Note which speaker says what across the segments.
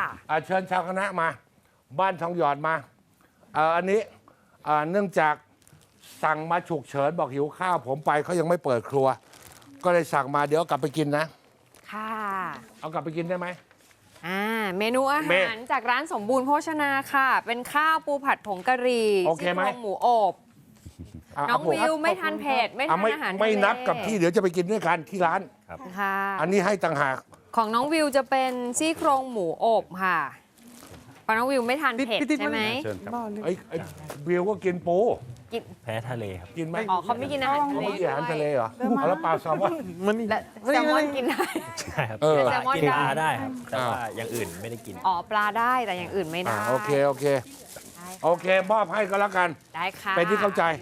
Speaker 1: เชิญชาวคณะมา บ้านทองหยอดมาอันนี้เนื่องจากสั่งมาฉุกเฉินบอกหิวข้าวผมไปเขายังไม่เปิดครัว ก็เลยสั่งมาเดี๋ยวกลับไปกินนะ
Speaker 2: ค่ะ
Speaker 1: เอากลับไปกินได้ไหม
Speaker 2: เมนูอาหารจากร้านสมบูรณ์โภชนาค่ะ เป็นข้าวปูผัดผงกะหรี่
Speaker 1: โอเคไหม
Speaker 2: ซี่โครงหมูอบน้องวิวไม่ทานเผ็ดไม่ทานอาหารทะเล
Speaker 1: ไม่นับกับที่เดี๋ยวจะไปกินด้วยกันที่ร้าน
Speaker 2: ค่ะ
Speaker 1: อันนี้ให้ต่างหาก
Speaker 2: ของน้องวิวจะเป็นซี่โครงหมูอบค่ะเพราะน้องวิวไม่ทานเผ็ดใช่ไหม
Speaker 3: เชิญครับ
Speaker 1: ไอ้วิวก็กินปู
Speaker 2: กิน
Speaker 3: แพ้ทะเลครับ
Speaker 1: กินไหม
Speaker 2: อ๋อเขาไม่กินอาหารทะ
Speaker 1: เขา
Speaker 2: เล
Speaker 1: ไม่กินอาหารทะเลเหรอเอาแล้วปลาแซลมอน
Speaker 2: และแซลมอนกินได้
Speaker 3: ใช่ครับ
Speaker 1: เออ
Speaker 2: แซลมอน
Speaker 3: กินปลา
Speaker 2: ได้
Speaker 3: ได้ครับ แต่ว่าอย่างอื่นไม่ได้กิน
Speaker 2: อ๋อปลาได้แต่อย่างอื่นไม่ได้
Speaker 1: โอเคโอเค
Speaker 2: ได้ค่ะ
Speaker 1: โอเคมอบให้ก็แล้วกัน
Speaker 2: ได้ค่ะ
Speaker 1: เป็นที่เข้าใจ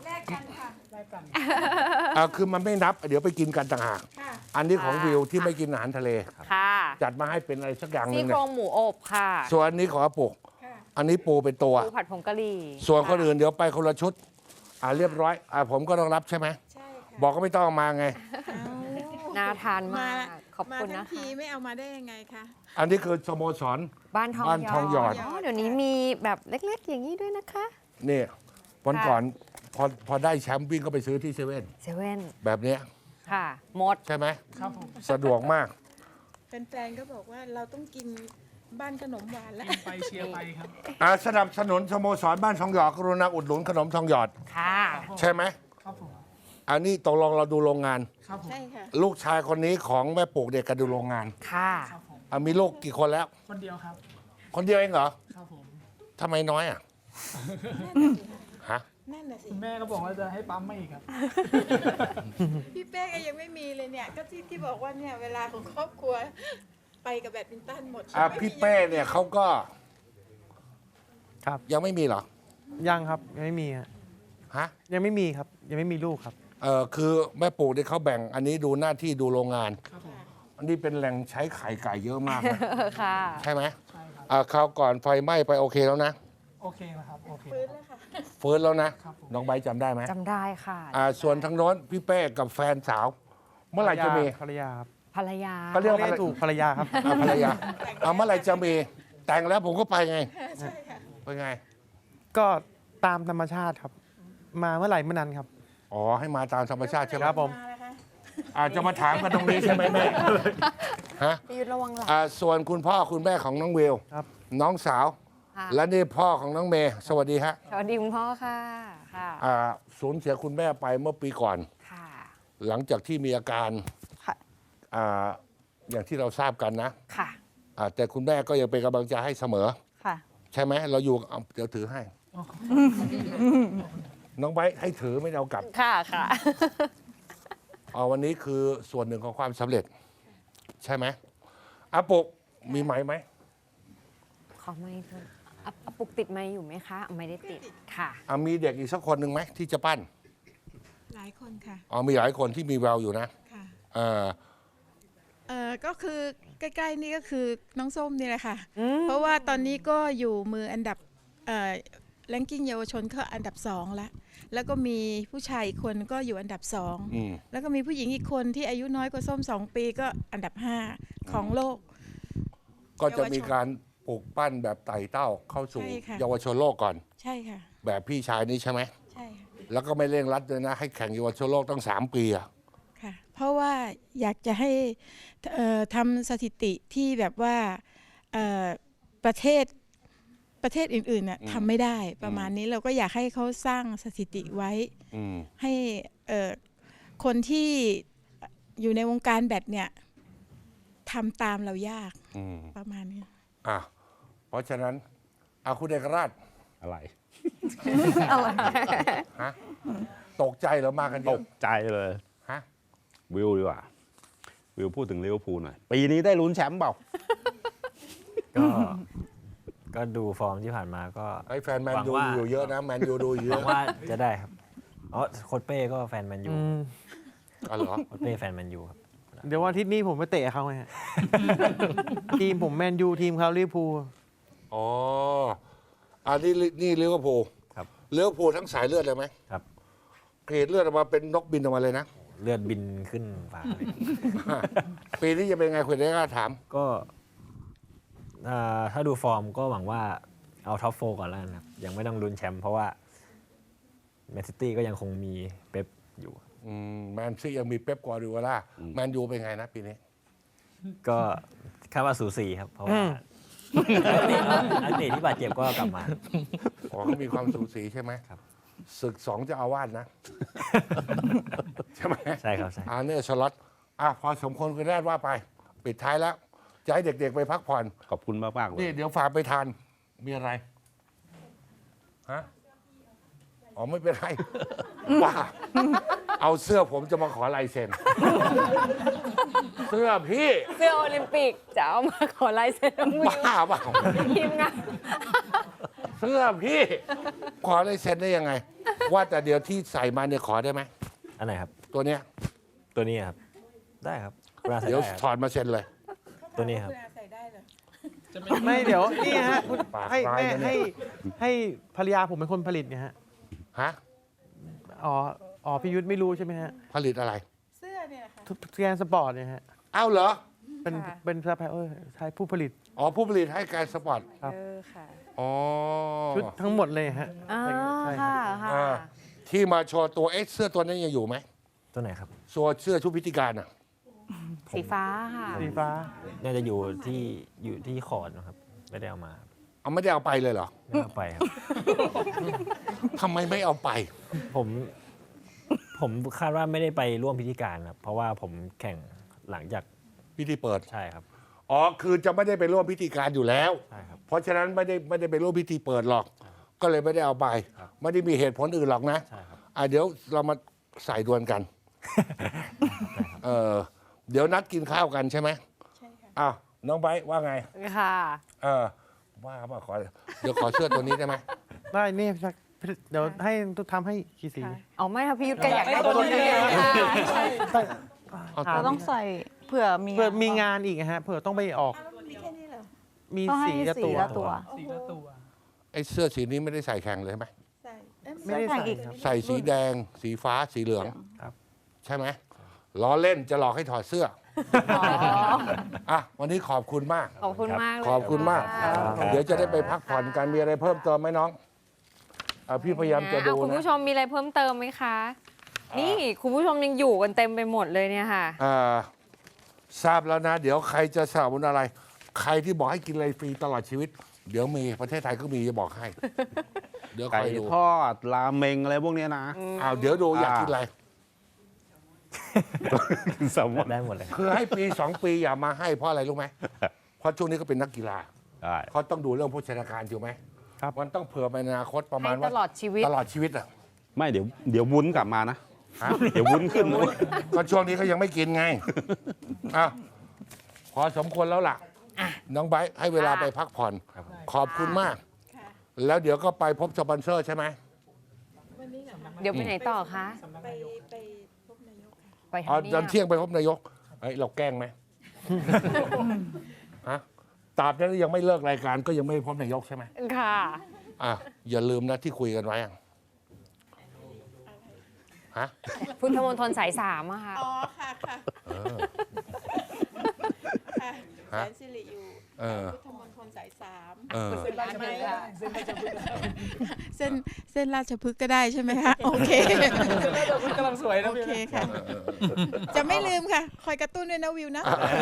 Speaker 1: คือมันไม่นับเดี๋ยวไปกินกันต่างหากอันนี้ของวิวที่ไม่กินอาหารทะเล
Speaker 2: ค่ะ
Speaker 1: จัดมาให้เป็นอะไรสักอย่างหนึ
Speaker 2: ซี่
Speaker 1: ง
Speaker 2: โค
Speaker 1: เนี่
Speaker 2: ร
Speaker 1: ย
Speaker 2: งหมูอบค่ะ
Speaker 1: ส่วนอันนี้ของอาปุกอันนี้ปูเป็นตัว
Speaker 2: ปูผัดผงกะหรี่
Speaker 1: ส่วนคนอื่นเดี๋ยวไปคนละชุดเรียบร้อยผมก็ต้องรับใช่ไหม
Speaker 4: ใช่ค่ะ
Speaker 1: บอกก็ไม่ต้องเอามาไง
Speaker 2: น่าทานมากขอบ
Speaker 4: มา
Speaker 2: คุณ
Speaker 4: ทั้
Speaker 2: นะ
Speaker 4: ง
Speaker 2: คะ
Speaker 4: ทีไม่เอามาได้ยังไงคะ
Speaker 1: อันนี้คือสโมสร
Speaker 2: บ้านทอง
Speaker 1: บ้านทองหยอด
Speaker 2: เดี๋ยวนี้มีแบบเล็กๆ อย่างนี้ด้วยนะคะ
Speaker 1: นี่วัน
Speaker 2: ค่ะ
Speaker 1: ก่อนพอได้แชมป์วิ่งก็ไปซื้อที่เซเว่น
Speaker 2: เซเว่น
Speaker 1: แบบเนี้ย
Speaker 2: ค่ะ หมด
Speaker 1: ใช่ไหม
Speaker 4: ครับผม
Speaker 1: สะดวกมาก
Speaker 4: แฟนๆก็บอกว่าเราต้องกินบ้านขนมหวานแล้ว
Speaker 5: ไปเชียร์ไปครับ
Speaker 1: สนับสนุนสโมสรบ้านทองหยอดกรุณาอุดหนุนขนมทองหยอด
Speaker 2: ค่ะ
Speaker 1: ใช่ไหม
Speaker 5: ครับผม
Speaker 1: อันนี้ตกลงเราดูโรงงาน
Speaker 5: ครับผม
Speaker 4: ใช่ค่ะ
Speaker 1: ลูกชายคนนี้ของแม่ปลูกเด็กก็ดูโรงงาน
Speaker 2: ค่ะ
Speaker 5: ครับผม
Speaker 1: มีลูกกี่คนแล้ว
Speaker 5: คนเดียวครับ
Speaker 1: คนเดียวเองเหรอ
Speaker 5: ครับผม
Speaker 1: ทำไมน้อยอ่ะฮะ
Speaker 4: นั่นน่ะสิ
Speaker 5: คุณแม่ก็บอกว่าจะให้ปั๊มมาอีกครับ
Speaker 4: พี่เป้ก็ยังไม่มีเลยเนี่ย ก็ที่บอกว่าเนี่ยเวลาของครอบครัวไปกับแบดมินตันหมด
Speaker 1: พี่เป้เนี่ยเขาก็
Speaker 6: ครับ
Speaker 1: ยังไม่มีเหรอ
Speaker 6: ยังครับยังไม่มีฮะ
Speaker 1: ฮะ
Speaker 6: ยังไม่มีครับ ยังไม่มีลูกครับ
Speaker 1: คือแม่ปลูกเนี่ยเขาแบ่งอันนี้ดูหน้าที่ดูโรงงาน
Speaker 5: ครับผม
Speaker 1: อันนี้เป็นแหล่งใช้ไข่ไก่เยอะมากนะ
Speaker 2: ค่ะ
Speaker 1: ใช่ไหม
Speaker 5: ใช่ครับ
Speaker 1: คราวก่อนไฟไหม้ไปโอเคแล้วนะ
Speaker 5: โอเคนะครับ โอเค
Speaker 4: ฟื้นแล้วค่ะ
Speaker 1: ฟื้นแล้วนะ
Speaker 5: ครับผม
Speaker 1: น้องใบร์ทจำได้ไหม
Speaker 2: จำได้ค่ะ
Speaker 1: ส่วนทางโน้นพี่เป้กับแฟนสาว เมื่อไหร่จะมี
Speaker 6: ภรรยาครับ
Speaker 2: ภรรยา
Speaker 1: ก็เรียกว่า
Speaker 6: เรียกถูกภรรยาครับ
Speaker 1: ภรรยาเมื่อไหร่จะมีแต่งแล้วผมก็ไปไง
Speaker 4: ใช่ค่ะ
Speaker 1: ไปไง
Speaker 6: ก็ตามธรรมชาติครับ มาเมื่อไหร่เมื่อนั้นครับ
Speaker 1: อ๋อให้มาตามธรรมชาติใช่ไหม
Speaker 6: ครับผม
Speaker 4: าแล้วคะ
Speaker 1: จะมาถามกันตรงนี้ใช่ไหมแม่ฮะ
Speaker 2: พี่ยุทธระวังหลัง
Speaker 1: ส่วนคุณพ่อคุณแม่ของน้องวิว
Speaker 6: ครับ
Speaker 1: น้องสาว
Speaker 2: ค่ะ
Speaker 1: และนี่พ่อของน้องเมย์สวัสดีฮะ
Speaker 2: สวัสดีคุณพ่อค่ะ ค่ะ
Speaker 1: สูญเสียคุณแม่ไปเมื่อปีก่อน
Speaker 2: ค่ะ
Speaker 1: หลังจากที่มีอาการ
Speaker 2: ค่ะ
Speaker 1: อย่างที่เราทราบกันนะ
Speaker 2: ค่ะ
Speaker 1: แต่คุณแม่ก็ยังเป็นกำลังใจให้เสมอ
Speaker 2: ค่ะ
Speaker 1: ใช่ไหมเราอยู่เดี๋ยวถือให้ น้องไบร์ทให้ถือไม่ได้เอากลับ
Speaker 2: ค่ะ ค่ะ
Speaker 1: วันนี้คือส่วนหนึ่งของความสำเร็จ ใช่ไหมอาปุกมีไหมไหม
Speaker 2: ขอไม่เพิ่มปุกติดไม้อยู่ไหมคะ ไม่ได้ติด ค่ะ
Speaker 1: มีเด็กอีกสักคนหนึ่งไหมที่จะปั้น
Speaker 4: หลายคนค่ะ
Speaker 1: มีหลายคนที่มีแววอยู่นะ
Speaker 4: ค่ะ
Speaker 1: เออ
Speaker 4: ก็คือใกล้ๆนี่ก็คือน้องส้มนี่แหละค่ะ เพราะว่าตอนนี้ก็อยู่มืออันดับแรงกิ้งเยาวชนก็อันดับ2แล้วก็มีผู้ชายอีกคนก็อยู่อันดับ
Speaker 1: อืม
Speaker 4: 2แล้วก็มีผู้หญิงอีกคนที่อายุน้อยกว่าส้ม2 ปีก็อันดับ 5 ของโลก
Speaker 1: ก็จะมีการปลูกปั้นแบบไต่เต้าเข้าสู่
Speaker 4: ใช่ค่ะ
Speaker 1: เยาวชนโลกก่อน
Speaker 4: ใช่ค่ะ
Speaker 1: แบบพี่ชายนี้ใช่ไหม
Speaker 4: ใช่ค่ะ
Speaker 1: แล้วก็ไม่เร่งรัดเลยนะ ให้แข่งเยาวชนโลกตั้ง3 ปีอะ
Speaker 4: ค่ะ เพราะว่าอยากจะให้ทำสถิติที่แบบว่าประเทศอื่นๆน่ะทำไม่ได้ประมาณนี้เราก็อยากให้เขาสร้างสถิติไว้
Speaker 1: อืม
Speaker 4: ให้คนที่อยู่ในวงการแบดเนี่ยทำตามเรายาก
Speaker 1: อืม
Speaker 4: ประมาณนี้
Speaker 1: เพราะฉะนั้นคุณเอกราช
Speaker 3: อะไร
Speaker 1: ฮะตกใจเหรือมากันเย
Speaker 3: ต
Speaker 1: อะ
Speaker 3: กใจเลย
Speaker 1: ฮะ
Speaker 3: วิวดีกว่า วิวพูดถึงลิเวอร์พูลหน่อย ปีนี้ได้ลุ้นแชมป์เปล่า
Speaker 7: ก็ดูฟอร์มที่ผ่านมาก็
Speaker 1: ไอ้แฟนแมน
Speaker 7: หวัง
Speaker 1: ยู
Speaker 7: ว่า
Speaker 1: อยู่เยอะนะแมนยูดูอยู่เย
Speaker 7: หวั
Speaker 1: อะ
Speaker 7: งว่าจะได้ครับอ๋อโค้ชเป้ก็แฟนแมนยู
Speaker 1: เหรอ
Speaker 7: โค้ชเป้แฟนแมนยูครับ
Speaker 6: เดี๋ยววันอาทิตย์นี้ผมไปเตะเขาไงฮะ ทีมผมแมนยูทีมเขาลิเวอร์พูล
Speaker 1: อ๋อนี่ลิเวอร์พูล
Speaker 7: ครับ
Speaker 1: ลิเวอร์พูลทั้งสายเลือดเลยไหม
Speaker 7: ครับ
Speaker 1: เกรดเลือดออกมาเป็นนกบินออกมาเลยนะ
Speaker 7: เลือดบินขึ้นฟ้าเลย
Speaker 1: ปีนี้จะเป็นไงคุณเอกราชถาม
Speaker 7: ก็ถ้าดูฟอร์มก็หวังว่าเอาท็อปโฟก่อนแล้วกันครับ ยังไม่ต้องลุ้นแชมป์เพราะว่าแมนซิตี้ก็ยังคงมีเป๊ปอยู่
Speaker 1: แมนซียังมีเป๊ปกวาร์ดิโอลาแมนยูเป็นไงนะปีนี้
Speaker 7: ก็คาดว่าสูสีครับ เพราะว่านักเตะที่บาดเจ็บก็กลับมา
Speaker 1: อ๋อเขามีความสูสีใช่ไหม
Speaker 7: ครับ
Speaker 1: ศึกสองเจะอาวาสนะ ใช่ไหม
Speaker 7: ใช่ครับใช่
Speaker 1: เนี่ยสล็อตพอสมควรคุณแรกว่าไป ปิดท้ายแล้ว จะให้เด็กๆไปพักผ่อน
Speaker 3: ขอบคุณมากๆเล
Speaker 1: นี่
Speaker 3: ย
Speaker 1: เดี๋ยวฝากไปทาน มีอะไร ฮะ อ๋อไม่เป็นไร ว่า เอาเสื้อผมจะมาขอลายเซ็น เสื้อพี่
Speaker 2: เสื้อโอลิมปิกจะเอามาขอลายเซ็นน้องวิว
Speaker 1: บ้าเปล่า
Speaker 2: ทีมงาน
Speaker 1: เสื้อพี่ ขอลายเซ็นได้ยังไง ว่าแต่เดี๋ยวที่ใส่มาเนี่ยขอได้ไหม
Speaker 7: อันไหนครับ
Speaker 1: ตัวเนี้ย
Speaker 7: ตัวนี้ครับ ได้ครับเวลาใส่
Speaker 1: เดี๋ยว
Speaker 7: ได้ค
Speaker 1: ถ
Speaker 7: รับ
Speaker 1: อดมาเซ็นเลย
Speaker 7: ตัวนี้ครับ
Speaker 4: ใส่ได้เลย
Speaker 6: ไม่เดี๋ยวนี่ฮะคุณ
Speaker 1: ปาก
Speaker 6: ให้
Speaker 1: ร้าย
Speaker 6: แม่
Speaker 1: นะเนี่ย
Speaker 6: ให้ภรรยาผมเป็นคนผลิตไงฮะ
Speaker 1: ฮะ
Speaker 6: อ๋อพี่ยุทธไม่รู้ใช่ไหมฮะ
Speaker 1: ผลิตอะไร
Speaker 4: เสื้อเนี่ยนะคะ
Speaker 6: ทุกแกนสปอร์ตเนี่ยฮะ
Speaker 1: เอ้าเหรอ
Speaker 6: เป็น
Speaker 2: ค่ะ
Speaker 6: เป็นซัพพลายเออร์ใช่ผู้ผลิต
Speaker 1: อ๋อ ผู้ผลิตให้การสปอร์ต
Speaker 6: ครับ
Speaker 2: ค่ะ
Speaker 1: อ๋อ
Speaker 6: ชุดทั้งหมดเลยฮะ
Speaker 2: อ่า
Speaker 6: ใช่
Speaker 2: ค่ะ
Speaker 6: ครับ
Speaker 2: ค่ะ
Speaker 1: อ่าที่มาโชว์ตัวเสื้อตัวนั้นยังอยู่ไหม
Speaker 7: ตัวไหนครับ
Speaker 1: เสื้อชุดพิธีการอ่ะ
Speaker 2: สีฟ้าค่ะ
Speaker 6: สีฟ้า
Speaker 7: น่าจะอยู่ที่คอร์ดนะครับ ไม่ได้เอามาครับ
Speaker 1: เอาไม่ได้เอาไปเลยเหรอ
Speaker 7: ไม่ได้เอาไปครับ
Speaker 1: ทำไมไม่เอาไป
Speaker 7: ผมคาดว่าไม่ได้ไปร่วมพิธีการครับ เพราะว่าผมแข่งหลังจาก
Speaker 1: พิธีเปิด
Speaker 7: ใช่ครับ
Speaker 1: อ๋อ คือจะไม่ได้ไปร่วมพิธีการอยู่แล้ว
Speaker 7: ใช่ครับ
Speaker 1: เพราะฉะนั้นไม่ได้ไปร่วมพิธีเปิดหรอก ก็เลยไม่ได้เอาไป ไม่ได้มีเหตุผลอื่นหรอกนะ
Speaker 7: ใช่ครับ
Speaker 1: เดี๋ยวเรามาใส่ดวลกัน เดี๋ยวนัดกินข้าวกันใช่ไหม
Speaker 4: ใช่ค่ะ
Speaker 1: อ้าวน้องไบร์ทว่าไง
Speaker 2: ค่ะ
Speaker 1: ว่ามาขอ เดี๋ยวขอเสื้อตัวนี้ได้ไหม
Speaker 6: ได้นี่สักเดี๋ยวให้ทำให้กี่สี
Speaker 2: อ๋อไม่ค่ะพี่ยุทธก็อยากได้
Speaker 5: ตัว
Speaker 2: ตัว
Speaker 5: นี้
Speaker 2: นี้
Speaker 5: เลย
Speaker 2: ค่ะ
Speaker 1: เอา
Speaker 6: ถาม
Speaker 1: ตัว
Speaker 8: ต้องใส่เผื่อมี
Speaker 6: เพื่อมีงานอีกฮะเผื่อต้องไปออก
Speaker 4: มีแค่นี้เหรอ
Speaker 6: มี
Speaker 8: ต้องให้
Speaker 6: สีละ
Speaker 8: สี
Speaker 6: ตัว
Speaker 8: ละตัว
Speaker 5: สีละตัว
Speaker 1: ไอ้เสื้อสีนี้ไม่ได้ใส่แข่งเลยใช่ไหม
Speaker 4: ใส่เอ้ย
Speaker 6: ไม่ได้
Speaker 8: ใส่
Speaker 6: ใส่
Speaker 8: อีก
Speaker 6: ครับ
Speaker 1: ใส่สีแดง สีฟ้า สีเหลือง
Speaker 6: ครับ
Speaker 1: ใช่ไหมล้อเล่นจะหลอกให้ถอดเสื้อ วันนี้ขอบคุณมาก
Speaker 2: ขอบคุณมากเลย
Speaker 1: ขอบคุณมาก
Speaker 2: ค่ะ
Speaker 1: เดี๋ยวจะได้ไปพักผ่อนกัน มีอะไรเพิ่มเติมไหมน้องพี่พยายามจะดู
Speaker 2: คุณ
Speaker 1: นะ
Speaker 2: ผู้ชมมีอะไรเพิ่มเติมไหมคะ นี่คุณผู้ชมยังอยู่กันเต็มไปหมดเลยเนี่ยค่ะ
Speaker 1: ทราบแล้วนะ เดี๋ยวใครจะสนับสนุนอะไร ใครที่บอกให้กินอะไรฟรีตลอดชีวิต เดี๋ยวมีประเทศไทยก็มีจะบอกให้ เดี๋ยวค
Speaker 3: ไก่
Speaker 1: อยดู
Speaker 3: ทอดราเมงอะไรพวกเนี้ยนะ
Speaker 1: เดี๋ยวดูอยากกินอะไร
Speaker 3: สมมติ
Speaker 7: ได้หมดเลย
Speaker 1: คือให้ปี 2 ปีอย่ามาให้เพราะอะไรรู้ไหม เพราะช่วงนี้ก็เป็นนักกีฬา
Speaker 3: ได้
Speaker 1: เขาต้องดูเรื่องโภชนาการถูกไหม
Speaker 6: ครับ
Speaker 1: มันต้องเผื่อไปในอนาคตประมา
Speaker 2: ให้
Speaker 1: ณ
Speaker 2: ต
Speaker 1: ว่า
Speaker 2: ลอดชีวิต
Speaker 1: ตลอดชีวิตอ่ะ
Speaker 3: ไม่เดี๋ยววุ้นกลับมานะ
Speaker 1: ฮะ
Speaker 3: เดี๋ยววุ้นขึ้นนะ
Speaker 1: ก็ช่วงนี้ก็ยังไม่กินไงอ้าวพอสมควรแล้วล่ะ น้องไบร์ทให้เวลา
Speaker 2: ค่ะ
Speaker 1: ไปพักผ่อน ขอบคุณมาก
Speaker 4: ค่ะ
Speaker 1: แล้วเดี๋ยวก็ไปพบสปอนเซอร์ใช่ไหม
Speaker 4: วันนี้เหรอคะ
Speaker 2: เดี๋ยวไปไหนต่อคะ
Speaker 4: ไปพบนายกค่ะ
Speaker 2: ไป
Speaker 1: อ๋อ
Speaker 2: ทำ
Speaker 1: ตอน
Speaker 2: เนี
Speaker 1: เที่
Speaker 2: ย
Speaker 1: ยงไปพบนายกเราแกล้งไหม ฮะตราบนั้นยังไม่เลิกรายการก็ยังไม่พบนายกใช่ไหม
Speaker 2: ค่ะ
Speaker 1: อย่าลืมนะที่คุยกันไว้อะฮะ
Speaker 2: พุทธมณฑลสาย3อะค่ะ
Speaker 4: อ๋อ ค่ะค่ะ
Speaker 1: เออ
Speaker 4: ค่ะ
Speaker 1: ฮะ
Speaker 4: แสนสิริอยู่
Speaker 1: เออ
Speaker 4: พุทธมณฑลสาย3
Speaker 1: เออ
Speaker 5: เส้นราชพฤกษ์ได้เส้นราชพฤกษ์ได้
Speaker 4: เส้นราชพฤกษ์ก็ได้ใช่ไหมคะ โอเค
Speaker 5: เส้นราชพฤกษ์กำลังสวยนะ
Speaker 4: โอ
Speaker 5: พี่
Speaker 4: เคค่ะ จะไม่ลืมค่ะ คอยกระตุ้นด้วยนะวิวนะ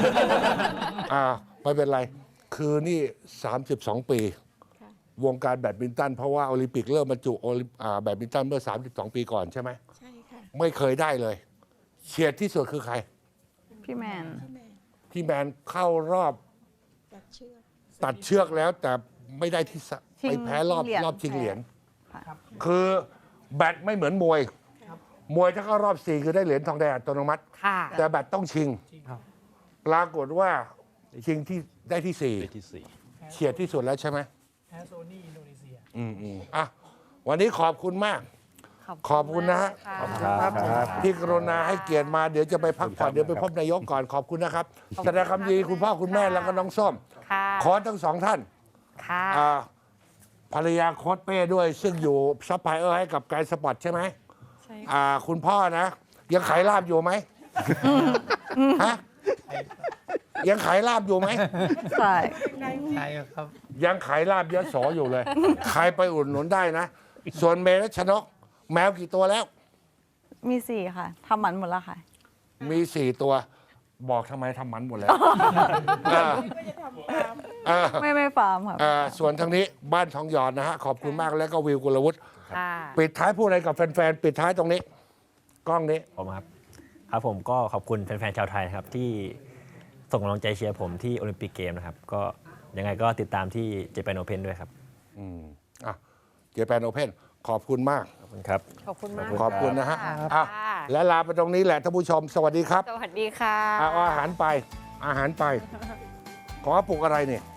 Speaker 1: ไม่เป็นไร คือนี่ 32 ปี
Speaker 4: ค่ะ
Speaker 1: วงการแบดมินตัน เพราะว่าโอลิมปิกเริ่มบรรจุแบดมินตันเมื่อ 32 ปีก่อนใช่ไหม
Speaker 4: ใช่ค่ะ
Speaker 1: ไม่เคยได้เลย เฉียดที่สุดคือใคร
Speaker 8: พี่แมน
Speaker 4: พี่แมน
Speaker 1: ที่แมนเข้ารอบ
Speaker 4: ตัดเชือก
Speaker 1: ตัดเชือกแล้วแต่ไม่ได้ที่ไปแพ้รอบชิงเหรียญ คือแบดไม่เหมือนมวย มวยถ้าเข้ารอบ 4 คือได้เหรียญทองแดงอัตโนมัติ
Speaker 2: ค่ะ
Speaker 1: แต่แบดต้องชิง
Speaker 6: ครับ
Speaker 1: ปรากฏว่าชิงที่ได้ที่
Speaker 3: ไปที่สี่
Speaker 1: 4 เฉียดที่สุดแล้วใช่ไหม
Speaker 5: แพ้โซนี่อินโดนีเซีย
Speaker 1: วันนี้ขอบคุณมาก ขอบคุณนะฮะ ที่กรุณาให้เกียรติมาเดี๋ยวจะไปพักผ่อนเดี๋ยวไปพบนายกก่อนขอบคุณนะครับแสดงความดีคุณพ่อคุณแม่แล้วก็น้องส้ม
Speaker 2: ค่ะ
Speaker 1: ขอทั้งสองท่าน
Speaker 2: ค่ะ
Speaker 1: ภรรยาโค้ชเป้ด้วย ซึ่งอยู่ซัพพลายเออร์ให้กับไกด์สปอร์ตใช่ไหม
Speaker 2: ใช่
Speaker 1: คุณพ่อนะ ยังขายลาบอยู่ไหมฮะยังขายลาบอยู่ไหม
Speaker 8: ใช่
Speaker 5: ใช่ครับ
Speaker 1: ยังขายลาบยโสอยู่เลย ใครไปอุดหนุนได้นะ ส่วนเมรัชนก แมวกี่ตัวแล้ว
Speaker 8: มี 4 ค่ะทำหมันหมดแล้วค่ะ
Speaker 1: มี 4 ตัว บอกทำไมทำหมันหมดแล้วเออ
Speaker 8: ไม่ฟาร์มค่ะ
Speaker 1: ส่วนทางนี้บ้านทองหยอดนะฮะ ขอบคุณมากแล้วก็วิวกุลวุฒิ
Speaker 2: ค่ะ
Speaker 1: ปิดท้ายพูดอะไรกับแฟนๆ ปิดท้ายตรงนี้ กล้องนี้
Speaker 7: ผมครับ ครับผมก็ขอบคุณแฟนๆชาวไทยนะครับที่ส่งกำลังใจเชียร์ผมที่โอลิมปิกเกมนะครับ ก็ยังไงก็ติดตามที่เจแปนโอเพนด้วยครับ
Speaker 1: เจแปนโอเพนขอบคุณมาก
Speaker 7: ขอบคุณครับ
Speaker 2: ขอบคุณมาก
Speaker 1: ขอบคุณนะฮะ
Speaker 2: ค่
Speaker 1: อ่ะและลาไปตรงนี้แหละท่านผู้ชม สวัสดีครับ
Speaker 2: สวัสดีค่ะ
Speaker 1: เอาอาหารไป ขอปลุกอะไรเนี่ย